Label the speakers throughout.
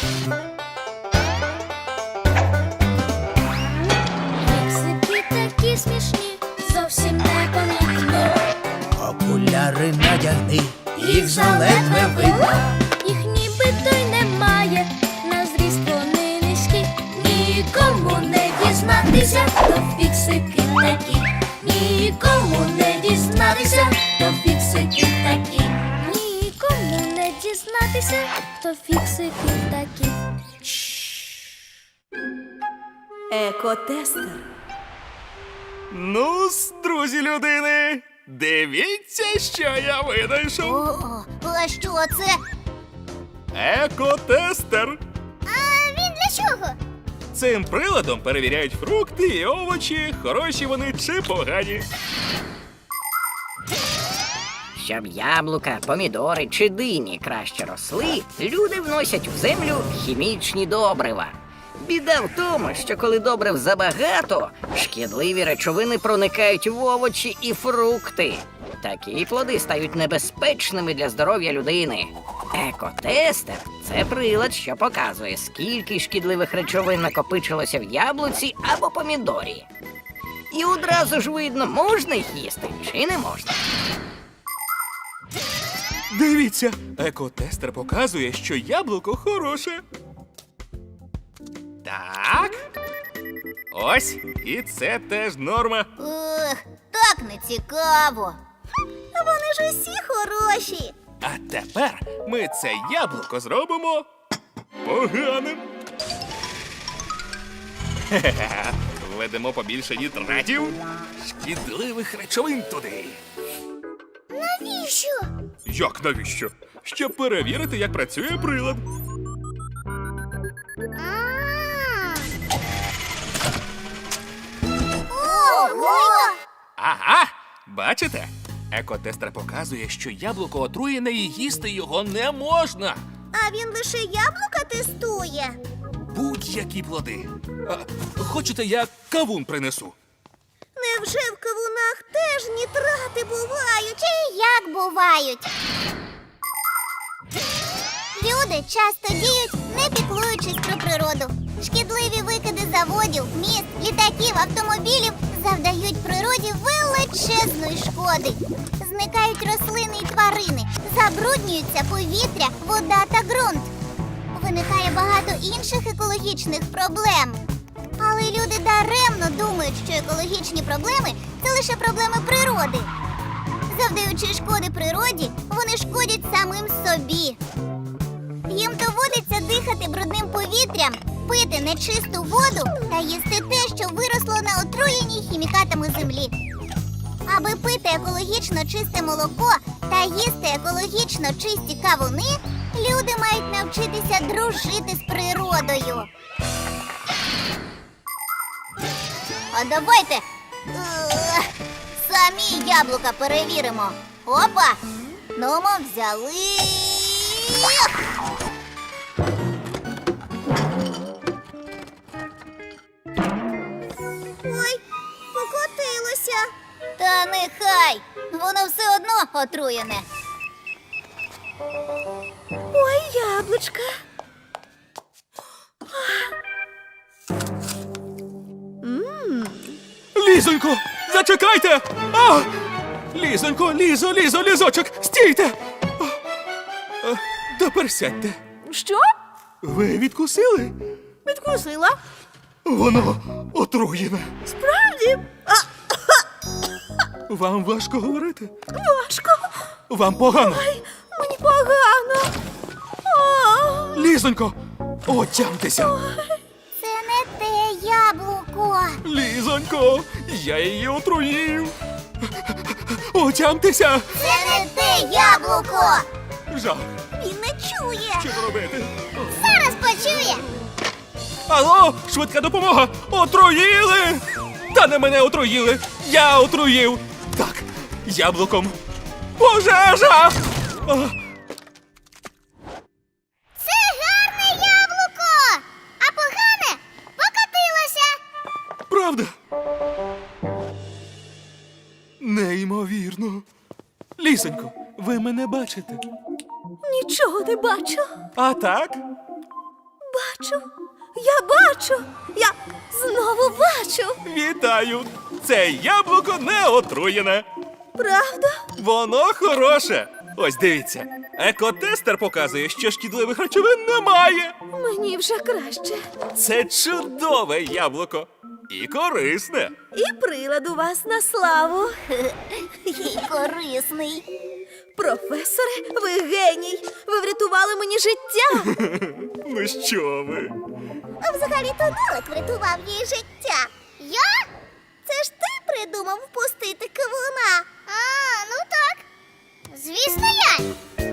Speaker 1: Фіксики такі смішні, зовсім непомітні.
Speaker 2: Окуляри надягни, їх заледве видно.
Speaker 1: Їх нібито й немає, на зріст вони низькі. Нікому не дізнатися, то фіксики такі. Нікому не дізнатися, то фіксики такі. Нікому не дізнатися, то фіксики такі.
Speaker 3: Екотестер.
Speaker 4: Ну-с, друзі людини, дивіться, що я винайшов.
Speaker 5: А що це?
Speaker 4: Екотестер.
Speaker 5: А він для чого?
Speaker 4: Цим приладом перевіряють фрукти і овочі, хороші вони чи погані.
Speaker 6: Щоб яблука, помідори чи дині краще росли, люди вносять в землю хімічні добрива. Біда в тому, що коли добрив забагато, шкідливі речовини проникають в овочі і фрукти. Такі плоди стають небезпечними для здоров'я людини. Екотестер – це прилад, що показує, скільки шкідливих речовин накопичилося в яблуці або помідорі. І одразу ж видно, можна їх їсти чи не можна.
Speaker 4: Дивіться, екотестер показує, що яблуко хороше. Так. Ось, і це теж норма.
Speaker 5: Так не цікаво. Вони ж усі хороші.
Speaker 4: А тепер ми це яблуко зробимо поганим. Хе-хе-хе. Введемо побільше нітратів, шкідливих речовин туди.
Speaker 5: Навіщо?
Speaker 4: Як навіщо? Щоб перевірити, як працює прилад.
Speaker 5: Ого!
Speaker 4: Ага, бачите? Екотестер показує, що яблуко отруєне і їсти його не можна.
Speaker 5: А він лише яблука тестує.
Speaker 4: Будь-які плоди. Хочете, я кавун принесу?
Speaker 5: Невже в кавунах теж нітрати бувають? Чи як бувають? Люди часто діють, не піклуючись про природу. Шкідливі викиди заводів, міст, літаків, автомобілів завдають природі величезної шкоди. Зникають рослини і тварини, забруднюються повітря, вода та ґрунт. Виникає багато інших екологічних проблем. Але люди даремно думають, що екологічні проблеми – це лише проблеми природи. Завдаючи шкоди природі, вони шкодять самим собі. Їм доводиться дихати брудним повітрям, пити нечисту воду та їсти те, що виросло на отруєній хімікатами землі. Аби пити екологічно чисте молоко та їсти екологічно чисті кавуни, люди мають навчитися дружити з природою. А давайте самі яблука перевіримо. Опа! Ну, ми взяли. Ой, покотилося. Та нехай, воно все одно отруєне.
Speaker 3: Ой, яблучка.
Speaker 4: Лізонько, зачекайте! А! Лізонько, лізочок, стійте! Тепер сядьте.
Speaker 3: Що?
Speaker 4: Ви відкусили?
Speaker 3: Відкусила.
Speaker 4: Воно отруєне.
Speaker 3: Справді?
Speaker 4: Вам важко говорити?
Speaker 3: Важко.
Speaker 4: Вам погано?
Speaker 3: Мені погано.
Speaker 4: Лізонько, отямтеся.
Speaker 5: Це не те яблуко.
Speaker 4: Лізонько, я її отруїв. Отямтеся.
Speaker 5: Це не те яблуко.
Speaker 4: Жах,
Speaker 5: Він не чує.
Speaker 4: що робити?
Speaker 5: Зараз почує.
Speaker 4: Алло, швидка допомога! Отруїли! Та не мене отруїли! Я отруїв! Так, яблуком. Пожежа!
Speaker 5: Це гарне яблуко, а погане покотилося.
Speaker 4: Правда? Неймовірно. Лісонько, ви мене бачите?
Speaker 3: Нічого не бачу.
Speaker 4: А так?
Speaker 3: Я знову бачу.
Speaker 4: Вітаю! Це яблуко не отруєне.
Speaker 3: Правда?
Speaker 4: Воно хороше. Ось дивіться. Екотестер показує, що шкідливих речовин немає.
Speaker 3: Мені вже краще.
Speaker 4: Це чудове яблуко. І корисне.
Speaker 3: І прилад у вас на славу.
Speaker 5: І корисний.
Speaker 3: Професоре, ви геній. Ви врятували мені життя.
Speaker 4: Ну що ви?
Speaker 5: А взагалі-то Нолик врятував їй життя. Я? Це ж ти придумав впустити кавуна. А, ну так. Звісно, я.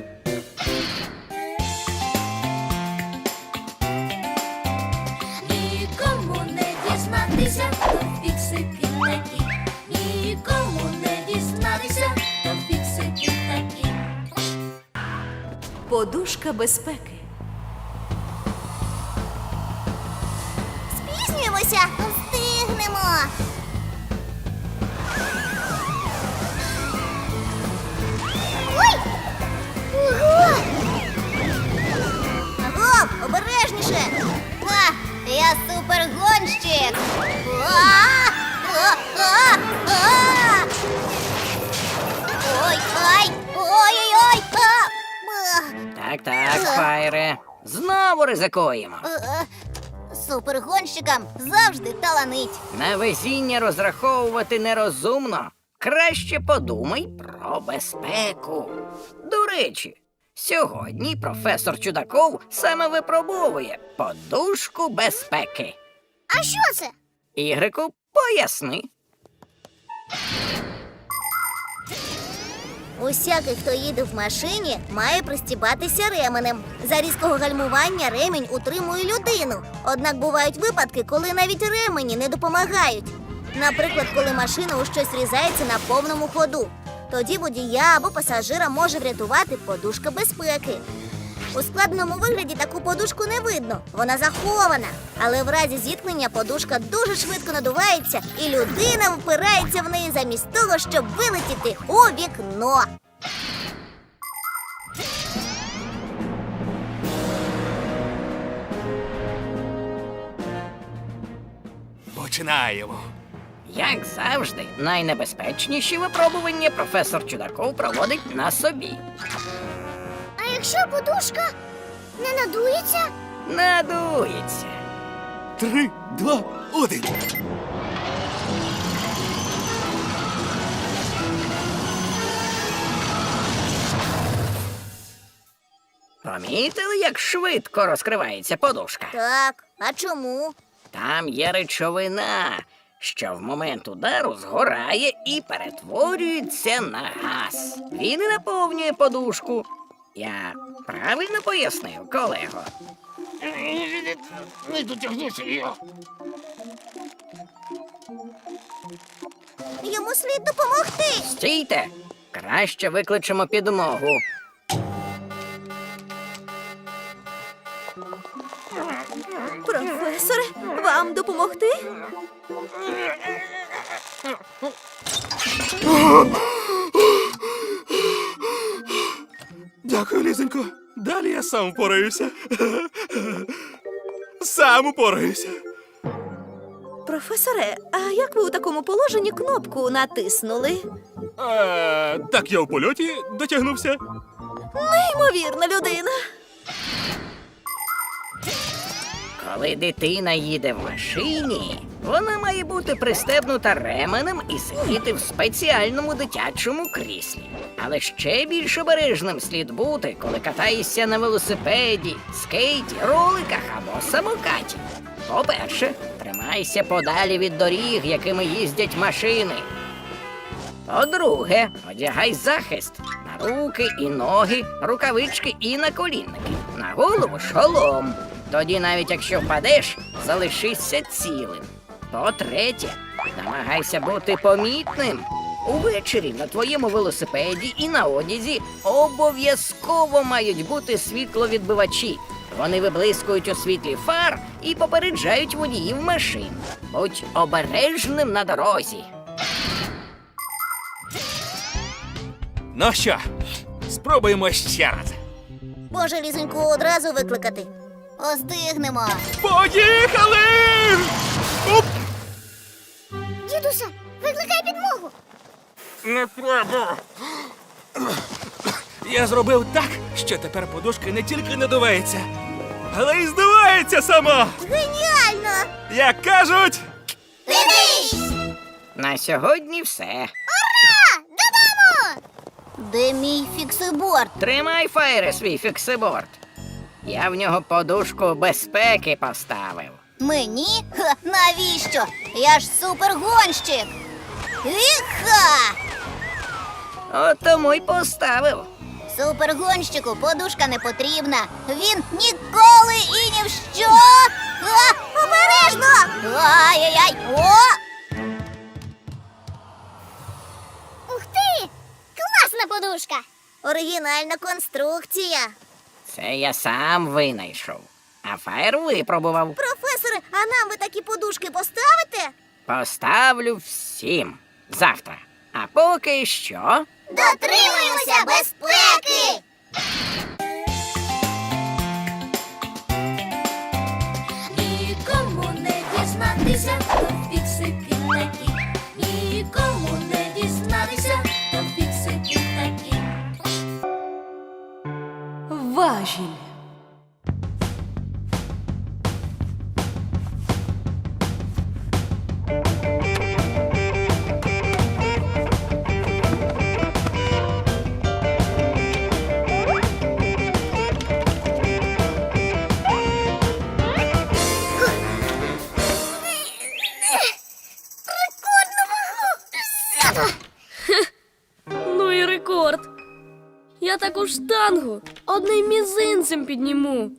Speaker 1: Нікому не дізнатися, то фіксики такі. Нікому не дізнатися, то фіксики такі.
Speaker 3: Подушка безпеки.
Speaker 5: Спізнюємося. Встигнемо. Ой! Ого! Гоп, обережніше! А, я супергонщик! Ой, ай! Ой-ой-ой!
Speaker 6: Так, Файре. Знову ризикуємо.
Speaker 5: Супергонщикам завжди таланить.
Speaker 6: На везіння розраховувати нерозумно. Краще подумай про безпеку. До речі, сьогодні професор Чудаков саме випробовує подушку безпеки.
Speaker 5: А що це?
Speaker 6: Ігрику, поясни.
Speaker 5: Усякий, хто їде в машині, має пристібатися ременем. За різкого гальмування ремінь утримує людину. Однак бувають випадки, коли навіть ремені не допомагають. Наприклад, коли машина у щось врізається на повному ходу. Тоді водія або пасажира може врятувати подушка безпеки. У складеному вигляді таку подушку не видно, вона захована. Але в разі зіткнення подушка дуже швидко надувається, і людина впирається в неї замість того, щоб вилетіти у вікно.
Speaker 4: Починаємо.
Speaker 6: Як завжди, найнебезпечніші випробування професор Чудаков проводить на собі.
Speaker 5: А якщо подушка не надується?
Speaker 6: Надується.
Speaker 4: 3, 2, 1.
Speaker 6: Помітили, як швидко розкривається подушка?
Speaker 5: Так, а чому?
Speaker 6: Там є речовина, що в момент удару згорає і перетворюється на газ. Він і наповнює подушку. Я правильно пояснив, колего?
Speaker 7: Не дотягнуся його.
Speaker 5: Йому слід допомогти.
Speaker 6: Стійте! Краще викличемо підмогу.
Speaker 3: Професоре, вам допомогти?
Speaker 4: Дякую, Лізонько. Далі я сам впораюся. Сам упораюся.
Speaker 3: Професоре, а як ви у такому положенні кнопку натиснули?
Speaker 4: Так я у польоті дотягнувся.
Speaker 3: Неймовірна людина.
Speaker 6: Коли дитина їде в машині, вона має бути пристебнута ременем і сидіти в спеціальному дитячому кріслі. Але ще більш обережним слід бути, коли катаєшся на велосипеді, скейті, роликах або самокаті. По-перше, тримайся подалі від доріг, якими їздять машини. По-друге, одягай захист на руки і ноги, рукавички і наколінники. На голову шолом. Тоді навіть якщо впадеш, залишишся цілим. По-третє, намагайся бути помітним. Увечері на твоєму велосипеді і на одязі обов'язково мають бути світловідбивачі. Вони виблискують у світлі фар і попереджають водіїв машин. Будь обережним на дорозі.
Speaker 4: Ну що, спробуємо ще раз.
Speaker 5: Може, Лізоньку одразу викликати? Остигнемо.
Speaker 4: Поїхали! Оп!
Speaker 5: Дідуся, викликай підмогу.
Speaker 4: Не треба. Я зробив так, що тепер подушка не тільки надувається, але й здувається сама.
Speaker 5: Геніально!
Speaker 4: Як кажуть,
Speaker 5: Дивись!
Speaker 6: На сьогодні все.
Speaker 5: Ура! Додому! Де мій фіксиборд?
Speaker 6: Тримай, Фаєре, свій фіксиборд. Я в нього подушку безпеки поставив.
Speaker 5: Мені? Ха, навіщо? Я ж супергонщик! Іха!
Speaker 6: От тому й поставив.
Speaker 5: Супергонщику подушка не потрібна. Він ніколи і ні в що. А, обережно! Ай-яй-яй! О! Ух ти! Класна подушка! Оригінальна конструкція.
Speaker 6: Це я сам винайшов. А Фаєр випробував.
Speaker 5: Професоре, а нам ви такі подушки поставите?
Speaker 6: Поставлю всім завтра. А поки що.
Speaker 5: Дотримуємося безпеки!
Speaker 1: Нікому не дізнатися, то фіксики такі. Нікому не дізнатися, то фіксики такі.
Speaker 3: Важіль.
Speaker 7: Ну і рекорд. Я таку штангу одним мізинцем підніму.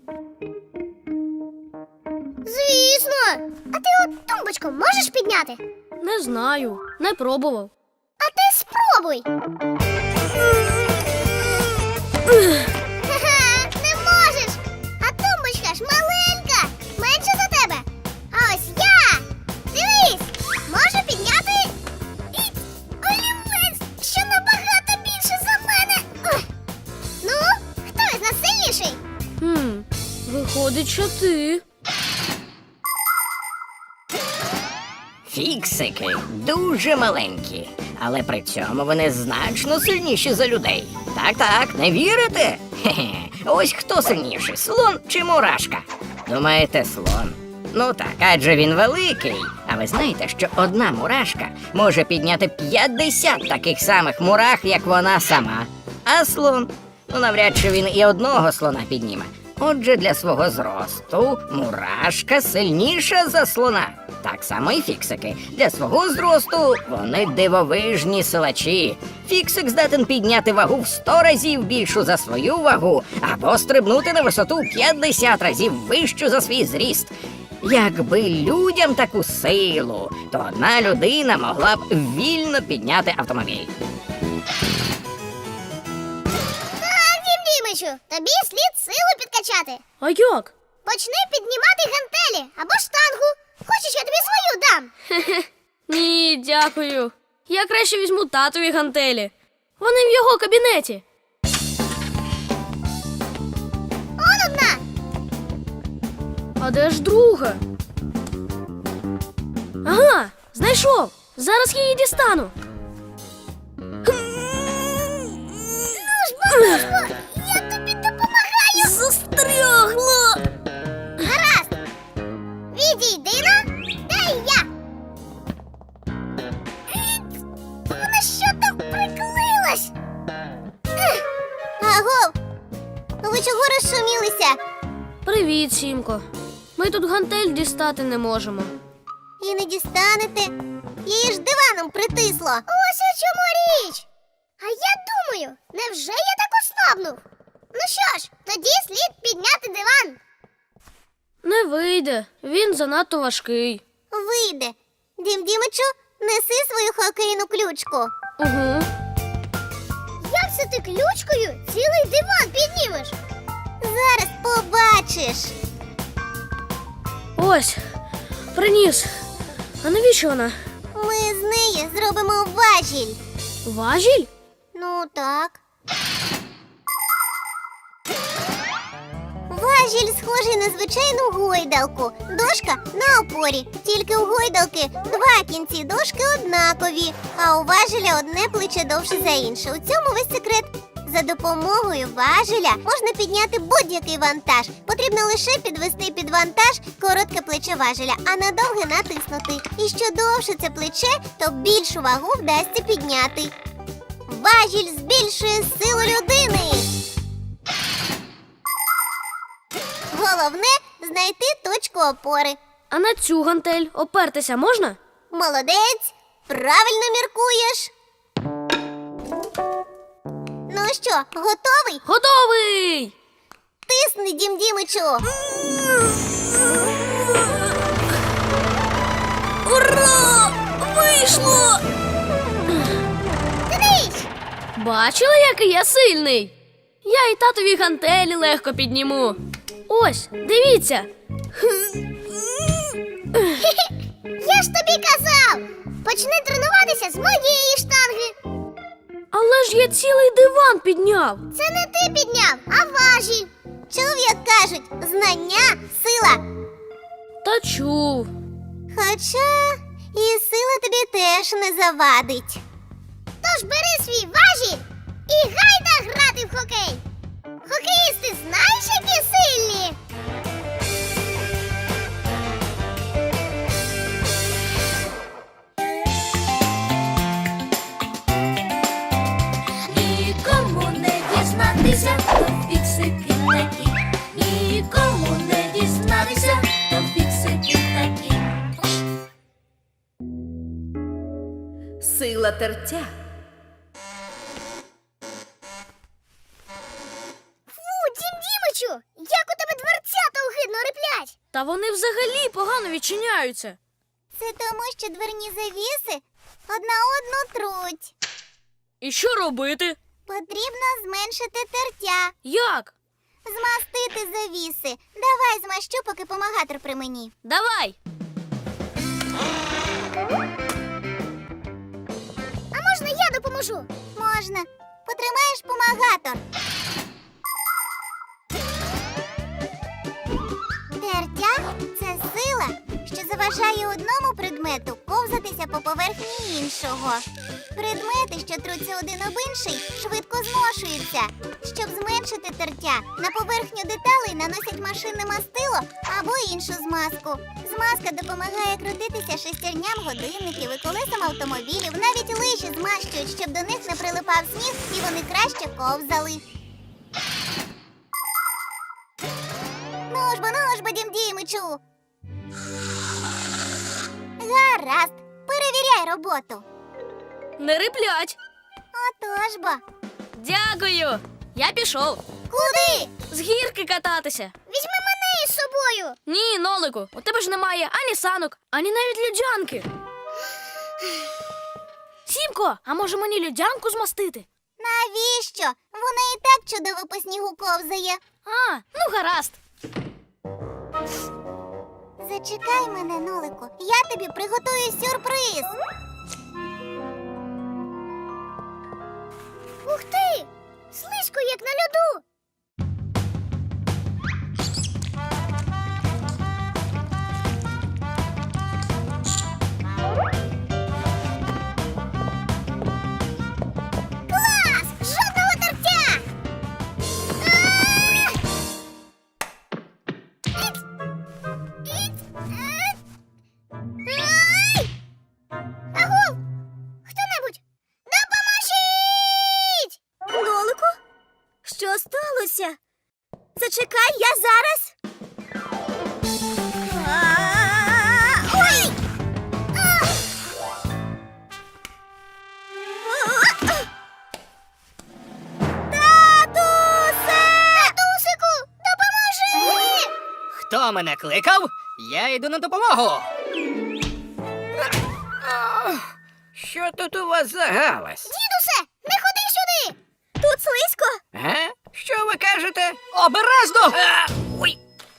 Speaker 5: Звісно! А ти от тумбочку можеш підняти?
Speaker 7: Не знаю, не пробував.
Speaker 5: А ти спробуй. Ха-ха, не можеш. А тумбочка ж маленька, менша за тебе. А ось я. Дивись, можу підняти і олівець, що набагато більше за мене. Ой. Ну, хто із нас сильніший?
Speaker 7: Виходить, що ти.
Speaker 6: Фіксики дуже маленькі, але при цьому вони значно сильніші за людей. Так, не вірите? Хе-хе. Ось хто сильніший, слон чи мурашка? Думаєте, слон? Ну так, адже він великий. А ви знаєте, що одна мурашка може підняти 50 таких самих мурах, як вона сама. А слон? Ну, навряд чи він і одного слона підніме. Отже, для свого зросту мурашка сильніша за слона. Так само і фіксики. Для свого зросту вони дивовижні силачі. Фіксик здатен підняти вагу в 100 разів більшу за свою вагу або стрибнути на висоту 50 разів вищу за свій зріст. Якби людям таку силу, то одна людина могла б вільно підняти автомобіль.
Speaker 5: Так, Дім Дімичу, тобі слід силу підкачати.
Speaker 7: А як?
Speaker 5: Почни піднімати гантелі або штангу. Хочеш, я тобі свою дам?
Speaker 7: Ні, дякую. Я краще візьму татові гантелі. Вони в його кабінеті.
Speaker 5: Он одна.
Speaker 7: А де ж друга? Ага, знайшов. Зараз я її дістану.
Speaker 5: Я тобі допомагаю.
Speaker 7: Застрягло.
Speaker 5: Гаразд. Відійди на, дай я. Вона що там приклеїлась? Агов, ви чого розшумілися?
Speaker 7: Привіт, Сімко. Ми тут гантель дістати не можемо.
Speaker 5: І не дістанете. Її ж диваном притисло. Ось у чому річ. А я думаю, невже я так ослабнув? Ну що ж, тоді слід підняти диван.
Speaker 7: Не вийде, він занадто важкий.
Speaker 5: Вийде. Дім Дімичу, неси свою хокейну ключку.
Speaker 7: Угу.
Speaker 5: Як це ти ключкою цілий диван піднімеш? Зараз побачиш.
Speaker 7: Ось, приніс. А навіщо вона?
Speaker 5: Ми з неї зробимо важіль.
Speaker 7: Важіль?
Speaker 5: Ну так. Важіль Важіль схожий на звичайну гойдалку. Дошка на опорі. Тільки у гойдалки два кінці дошки однакові, а у важеля одне плече довше за інше. У цьому весь секрет. За допомогою важеля можна підняти будь-який вантаж. Потрібно лише підвести під вантаж коротке плече важеля, а на довге натиснути. І що довше це плече, то більшу вагу вдасться підняти. Важіль збільшує силу людини. Головне – знайти точку опори.
Speaker 7: А на цю гантель опертися можна?
Speaker 5: Молодець, правильно міркуєш. Ну що, готовий?
Speaker 7: Готовий!
Speaker 5: Тисни, Дім Дімичу.
Speaker 7: Ура! Вийшло!
Speaker 5: Дивись!
Speaker 7: Бачила, який я сильний? Я і татові гантелі легко підніму. Ось, дивіться.
Speaker 5: Я ж тобі казав! Почни тренуватися з моєї штанги.
Speaker 7: Але ж я цілий диван підняв.
Speaker 5: Це не ти підняв, а важі. Чув, як кажуть, знання – сила.
Speaker 7: Та чув.
Speaker 5: Хоча і сила тобі теж не завадить. Тож бери свій важіль і гайда грати в хокей. Хокеїсти знаєш, які сильні?
Speaker 1: Нікому не дізнатися, то фіксики такі. Нікому не дізнатися, то фіксики такі.
Speaker 3: Сила тертя.
Speaker 5: Фу, Дім Дімичу, як у тебе дверцята огидно риплять.
Speaker 7: Та вони взагалі погано відчиняються.
Speaker 5: Це тому, що дверні завіси одна одну труть.
Speaker 7: І що робити?
Speaker 5: Потрібно зменшити тертя,
Speaker 7: Як?
Speaker 5: змастити завіси. Давай змащу, поки помагатор при мені.
Speaker 7: Давай!
Speaker 5: А можна я допоможу? Можна. Потримаєш помагатор. Тертя – це сила, що заважає одному предмету ковзатися по поверхні іншого. Предмети, що труться один об інший, швидко зношуються. Щоб зменшити тертя, на поверхню деталей наносять машинне мастило або іншу змазку. Змазка допомагає крутитися шестерням годинників і колесам автомобілів. Навіть лижі змащують, щоб до них не прилипав сніг і вони краще ковзали. Ну ж бо, Дім Дімичу. Гаразд, перевіряй роботу.
Speaker 7: Не риплять.
Speaker 5: Отож бо.
Speaker 7: Дякую. Я пішов.
Speaker 5: Куди?
Speaker 7: З гірки кататися.
Speaker 5: Візьми мене із собою.
Speaker 7: Ні, Нолику, у тебе ж немає ані санок, ані навіть льодянки. Сімко, а може мені льодянку змастити?
Speaker 5: Навіщо? Вона і так чудово по снігу ковзає.
Speaker 7: А, ну гаразд.
Speaker 5: Зачекай мене, Нолику. Я тобі приготую сюрприз. Ух ти! Слизько, як на льоду. Клас! Жодного тертя! Ай! Агов! Хто-небудь! Допоможіть!
Speaker 3: Нолику? Що сталося? Зачекай, я зараз.
Speaker 5: Ой! Татусику, допоможи!
Speaker 6: Хто мене кликав? Я йду на допомогу. Що тут у вас за галас?
Speaker 5: Дідусе, не ходи сюди!
Speaker 3: Тут слизько.
Speaker 6: Га? Що ви кажете? Обережно! Ой!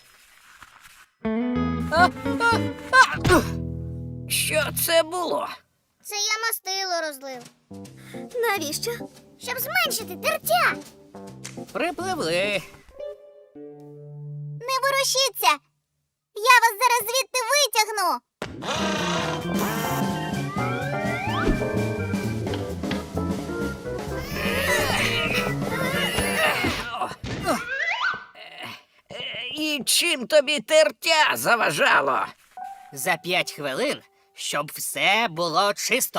Speaker 6: Що це було?
Speaker 5: Це я мастило розлив.
Speaker 3: Навіщо?
Speaker 5: Щоб зменшити тертя.
Speaker 6: Припливли.
Speaker 5: ворушіться! Я вас зараз звідти витягну!
Speaker 6: І чим тобі тертя заважало?
Speaker 2: За 5 хвилин, щоб все було чисто.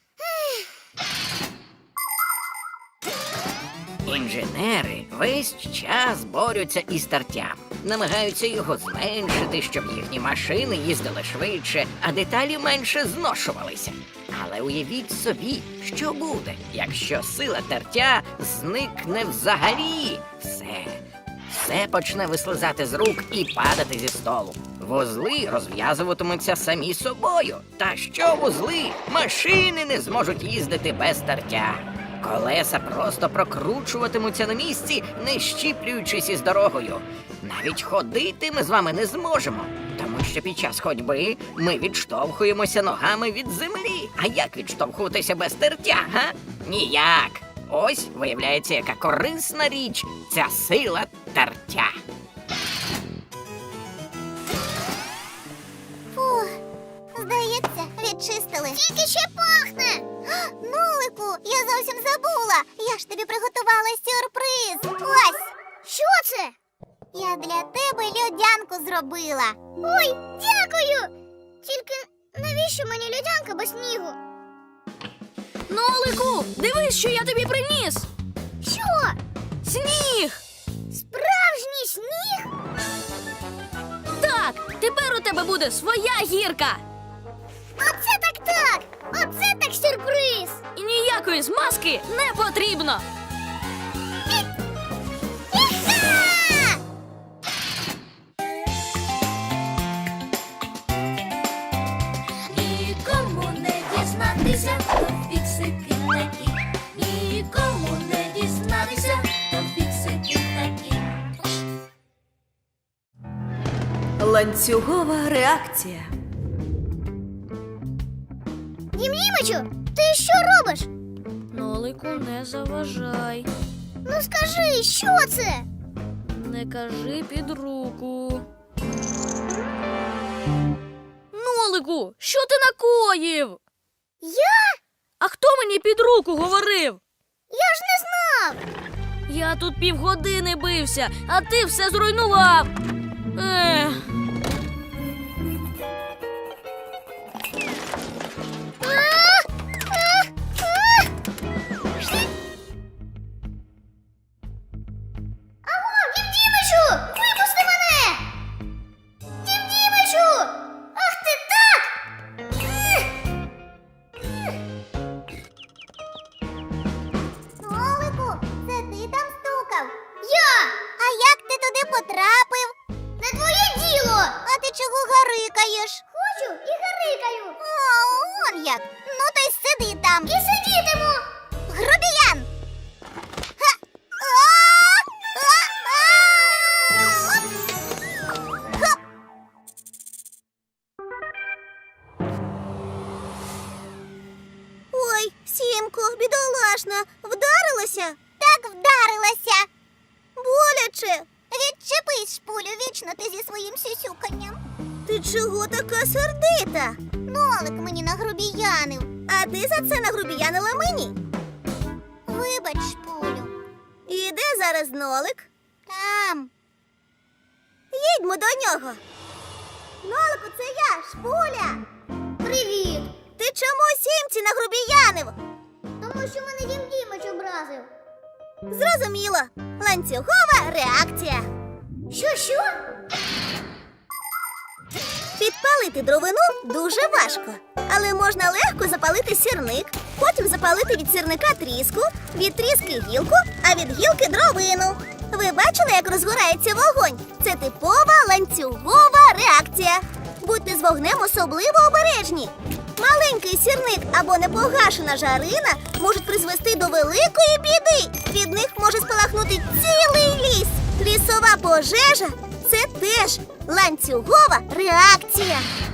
Speaker 6: Інженери весь час борються із тертям. Намагаються його зменшити, щоб їхні машини їздили швидше, а деталі менше зношувалися. Але уявіть собі, що буде, якщо сила тертя зникне взагалі. Все почне вислизати з рук і падати зі столу. Вузли розв'язуватимуться самі собою. Та що вузли? Машини не зможуть їздити без тертя. Колеса просто прокручуватимуться на місці, не щіплюючись із дорогою. Навіть ходити ми з вами не зможемо, тому що під час ходьби ми відштовхуємося ногами від землі. А як відштовхуватися без тертя, га? Ніяк. Ось, виявляється, яка корисна річ ця сила тертя.
Speaker 5: Фух, здається, відчистили. Тільки ще пахне! Нолику, я зовсім забула. Я ж тобі приготувала сюрприз. Ось! Що це? Я для тебе льодянку зробила. Ой, дякую! Тільки навіщо мені льодянка без снігу?
Speaker 7: Нолику, дивись, що я тобі приніс!
Speaker 5: Що?
Speaker 7: Сніг!
Speaker 5: Справжній сніг?
Speaker 7: Так, тепер у тебе буде своя гірка!
Speaker 5: Оце так! Оце так сюрприз!
Speaker 7: І ніякої змазки не потрібно!
Speaker 5: Іха!
Speaker 1: Нікому не дізнатися, то фіксики такі. Нікому не дізнатися, то фіксики такі.
Speaker 3: Ланцюгова реакція.
Speaker 5: Дім-Дімичу, ти що робиш?
Speaker 7: Нолику, не заважай.
Speaker 5: Ну скажи, що це?
Speaker 7: Не кажи під руку. Нолику, що ти накоїв?
Speaker 5: Я?
Speaker 7: А хто мені під руку говорив?
Speaker 5: Я ж не знав!
Speaker 7: Я тут півгодини бився, а ти все зруйнував. Ех.
Speaker 5: Аго, Дім-Дімичу, випусти мене! Дім-Дімичу! Ах ти так! Нолику, це ти там стукав? Я! А як ти туди потрапив? Не твоє діло! А ти чого гарикаєш? Хочу і гарикаю. О, он як! Ну то й сиди там. І сидітиму! Грубіян! Ха! Хоп! Ой, Сімко, бідолашна, вдарилася? Так вдарилася. Боляче. Відчепись, шпулю, вічно ти зі своїм сюсюканням. Ти чого така сердита? Нолик мені нагрубіянив. А ти за це нагрубіянила мені? Вибач, шпулю. І де зараз Нолик? Там. Їдьмо до нього. Нолику, це я, Шпуля. Привіт. Ти чому Сімці нагрубіянив? Тому що мене Дім-Дімич образив. Зрозуміло. Ланцюгова реакція. Що? Підпалити дровину дуже важко. Але можна легко запалити сірник, потім запалити від сірника тріску, від тріски гілку, а від гілки дровину. Ви бачили, як розгорається вогонь? Це типова ланцюгова реакція. Будьте з вогнем особливо обережні. Маленький сірник або непогашена жарина можуть призвести до великої біди. Від них може спалахнути цілий ліс. Лісова пожежа – це теж ланцюгова реакція.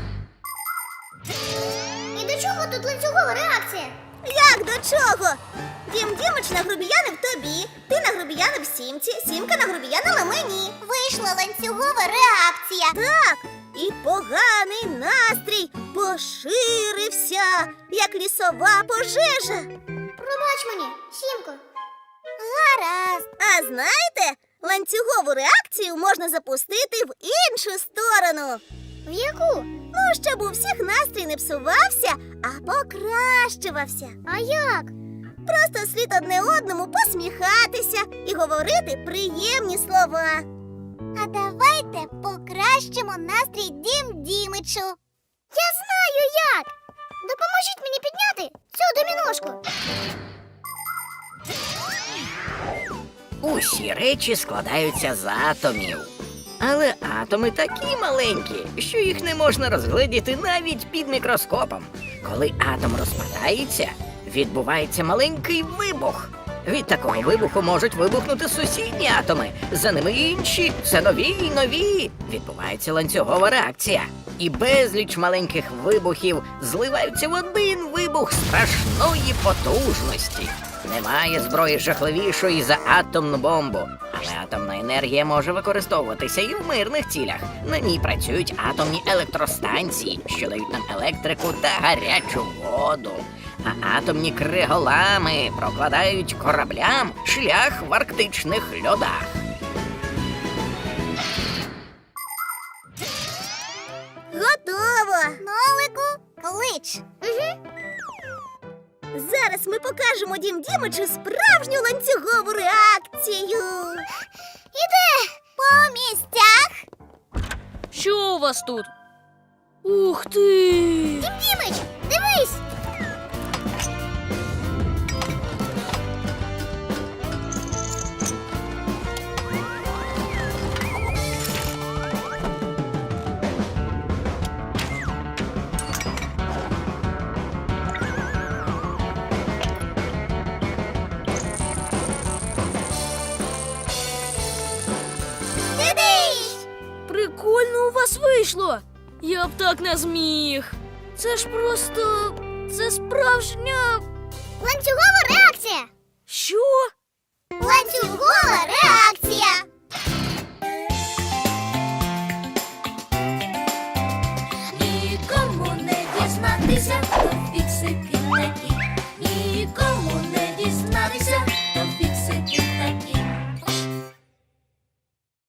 Speaker 5: І до чого тут ланцюгова реакція? Як до чого? Дім-Дімич нагрубіянив тобі, ти нагрубіянив Сімці, Сімка нагрубіянила мені. Вийшло спрацювала ланцюгова реакція.
Speaker 3: Так, і поганий настрій поширився, як лісова пожежа.
Speaker 5: Пробач мені, Сімко. Гаразд.
Speaker 3: А знаєте, ланцюгову реакцію можна запустити в іншу сторону.
Speaker 5: В яку?
Speaker 3: Ну, щоб у всіх настрій не псувався, а покращувався.
Speaker 5: А як?
Speaker 3: Просто слід одне одному посміхатися і говорити приємні слова.
Speaker 5: А давайте покращимо настрій Дім Дімичу. Я знаю як. Допоможіть мені підняти цю доміношку.
Speaker 6: Усі речі складаються з атомів. Але атоми такі маленькі, що їх не можна розгледіти навіть під мікроскопом. Коли атом розпадається, відбувається маленький вибух. Від такого вибуху можуть вибухнути сусідні атоми, за ними інші, все нові й нові. Відбувається ланцюгова реакція. І безліч маленьких вибухів зливаються в один вибух страшної потужності. Немає зброї жахливішої за атомну бомбу. Але атомна енергія може використовуватися і в мирних цілях. На ній працюють атомні електростанції, що дають нам електрику та гарячу воду. А атомні криголами прокладають кораблям шлях в арктичних льодах.
Speaker 3: Готово!
Speaker 5: Нолику, клич.
Speaker 3: Зараз ми покажемо Дім Дімичу справжню ланцюгову реакцію.
Speaker 5: Іде по місцях.
Speaker 7: Що у вас тут? Ух ти!
Speaker 5: Дім Дімич, дивись. Дидиш!
Speaker 7: Прикольно у вас вийшло! Я б так не зміг. Це ж просто. Це справжня.
Speaker 5: Ланцюгова реакція.
Speaker 7: Що?
Speaker 5: Ланцюгова